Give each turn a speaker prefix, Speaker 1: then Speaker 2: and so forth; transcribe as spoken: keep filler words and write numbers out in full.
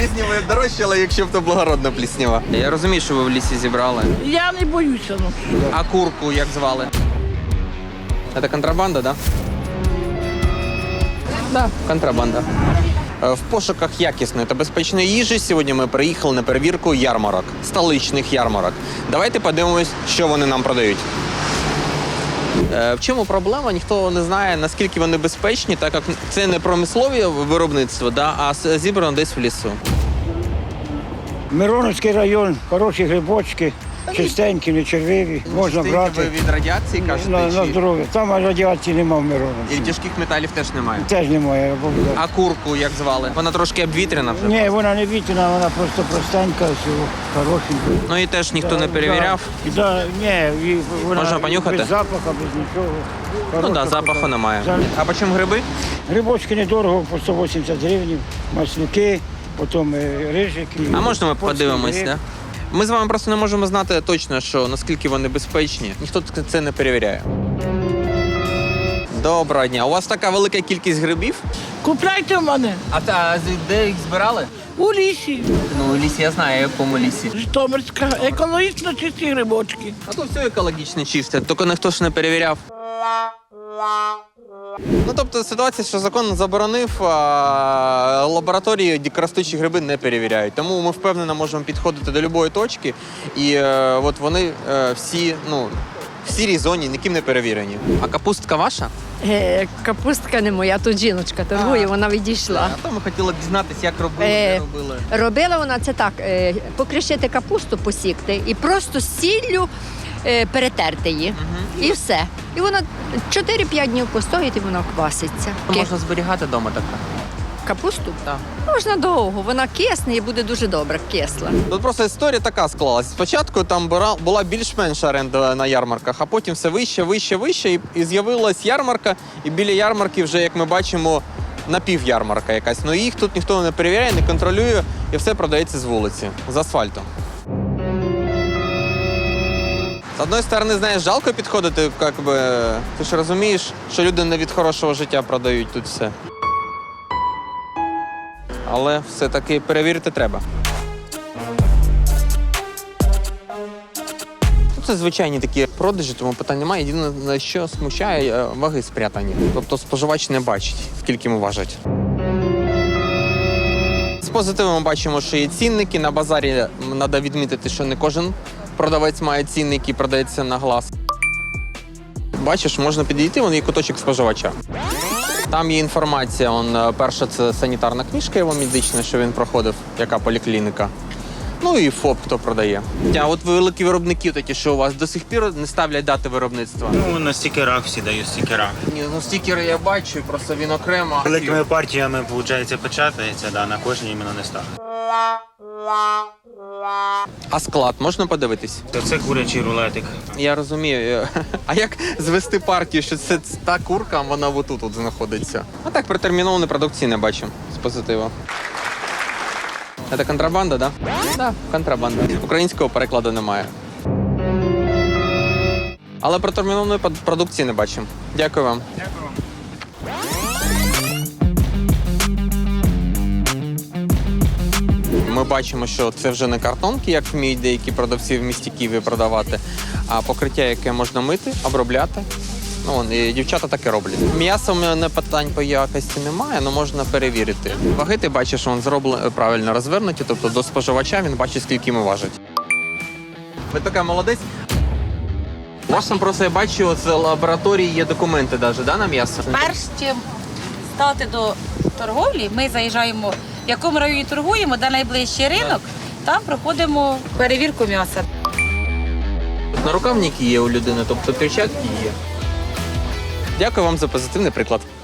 Speaker 1: Пліснява дорожчала, якщо б то благородна пліснява. Я розумію, що ви в лісі зібрали.
Speaker 2: Я не боюся. Ну.
Speaker 1: А курку як звали? Це контрабанда, так? Да? Так, контрабанда. В пошуках якісної та безпечної їжі сьогодні ми приїхали на перевірку ярмарок, столичних ярмарок. Давайте подивимось, що вони нам продають. В чому проблема? Ніхто не знає, наскільки вони безпечні, так як це не промислове виробництво, да, а зібрано десь в лісу.
Speaker 3: Мироновський район, хороші грибочки, чистенькі, не червиві, можна
Speaker 1: Ви
Speaker 3: брати
Speaker 1: від радіації кажете?
Speaker 3: на, на
Speaker 1: чи-
Speaker 3: здоров'я. Там радіації немає в
Speaker 1: І
Speaker 3: Мироновці.
Speaker 1: тяжких металів теж немає.
Speaker 3: Теж немає. я був, да.
Speaker 1: А курку як звали? Вона трошки обвітряна вже.
Speaker 3: Ні, вона не вітряна, вона просто простенька, всього, хорошенька.
Speaker 1: Ну і теж ніхто не перевіряв.
Speaker 3: Да, да, ні, і вона
Speaker 1: Можна понюхати?
Speaker 3: без запаху, без нічого.
Speaker 1: Ну так,
Speaker 3: Хороша
Speaker 1: да, запаху
Speaker 3: така.
Speaker 1: немає.
Speaker 3: За-
Speaker 1: А по чому гриби?
Speaker 3: Грибочки недорого, по сто вісімдесят гривень, маслюки, потім е, рижики.
Speaker 1: А можна ми
Speaker 3: польський
Speaker 1: подивимось,
Speaker 3: гриб.
Speaker 1: да? Ми з вами просто не можемо знати точно, що наскільки вони безпечні. Ніхто це не перевіряє. Доброго дня. У вас така велика кількість грибів?
Speaker 2: Купляйте в мене
Speaker 1: А, а де їх збирали?
Speaker 2: у лісі.
Speaker 1: Ну, у лісі я знаю, в якому лісі.
Speaker 2: Житомирська, екологічно чисті грибочки.
Speaker 1: А то все екологічно чисте, тільки ніхто ж не перевіряв. Ну, тобто ситуація, що закон заборонив, а лабораторії дикоростучі гриби не перевіряють. Тому ми впевнено можемо підходити до будь-якої точки, і е, от вони е, всі, ну, в сірій зоні, ніким не перевірені. А капустка ваша?
Speaker 4: Е, капустка не моя, тут жіночка торгує,
Speaker 1: А.
Speaker 4: вона відійшла.
Speaker 1: А то ми хотіли б дізнатися, як робили,
Speaker 4: Е,
Speaker 1: де робили.
Speaker 4: Робила вона це так: е, покришити капусту, посікти і просто з сіллю е, перетерти її. І все. І вона чотири-п'ять днів постоїть і вона кваситься.
Speaker 1: Можна зберігати вдома таке?
Speaker 4: Капусту?
Speaker 1: Так.
Speaker 4: Можна довго, вона кисне і буде дуже добре кисла.
Speaker 1: Тут просто історія така склалась. Спочатку там була- була більш-менш оренда на ярмарках, а потім все вище, вище, вище, і, і з'явилась ярмарка, і біля ярмарки вже, як ми бачимо, напівярмарка якась. Ну їх тут ніхто не перевіряє, не контролює, і все продається з вулиці, з асфальту. З одної сторони, знаєш, жалко підходити, як би, ти ж розумієш, що люди не від хорошого життя продають тут все. Але все-таки перевірити треба. Ну, це звичайні такі продажі, тому питань немає. Єдине, на що смущає, е, ваги спрятані. Тобто споживач не бачить, скільки йому важать. З позитивом ми бачимо, що є цінники. На базарі треба відмітити, що не кожен продавець має цінник і продається на глаз. Бачиш, можна підійти, вон є куточок споживача. Там є інформація, он, перша це санітарна книжка його медична, що він проходив, яка поліклініка. Ну і ФОП, хто продає. А от великі виробники такі, що у вас до сих пір не ставлять дати виробництва?
Speaker 5: Ну, на стікерах всі дають стікера.
Speaker 1: Ні, ну стікери я бачу, просто він окремо.
Speaker 5: Великими партіями, виходить, печатається, да, на кожній іменно не ставить.
Speaker 1: А склад можна подивитись?
Speaker 5: То це курячий рулетик.
Speaker 1: Я розумію. А як звести партію, що це та курка, а вона отут от знаходиться? А так протермінованої продукції не бачу з позитиву. Це контрабанда, так? Да? Так, да, контрабанда. Українського перекладу немає. Але протермінованої продукції не бачимо. Дякую вам. Дякую. Ми бачимо, що це вже не картонки, як вміють деякі продавці в місті Києві продавати, а покриття, яке можна мити, обробляти. Ну, вон, і дівчата таке роблять. М'ясо в мене питань по якості немає, але можна перевірити. Ваги ти бачиш, він зроблено правильно розвернуті, тобто до споживача він бачить, скільки йому важить. Ви така молодець. У вас там просто я бачу, з лабораторії є документи навіть, да, на м'ясо?
Speaker 6: Перш чим стати до торговлі, ми заїжджаємо, в якому районі торгуємо, де найближчий ринок, там проходимо перевірку м'яса.
Speaker 1: На рукавники є у людини, тобто перчатки є. Дякую вам за позитивний приклад.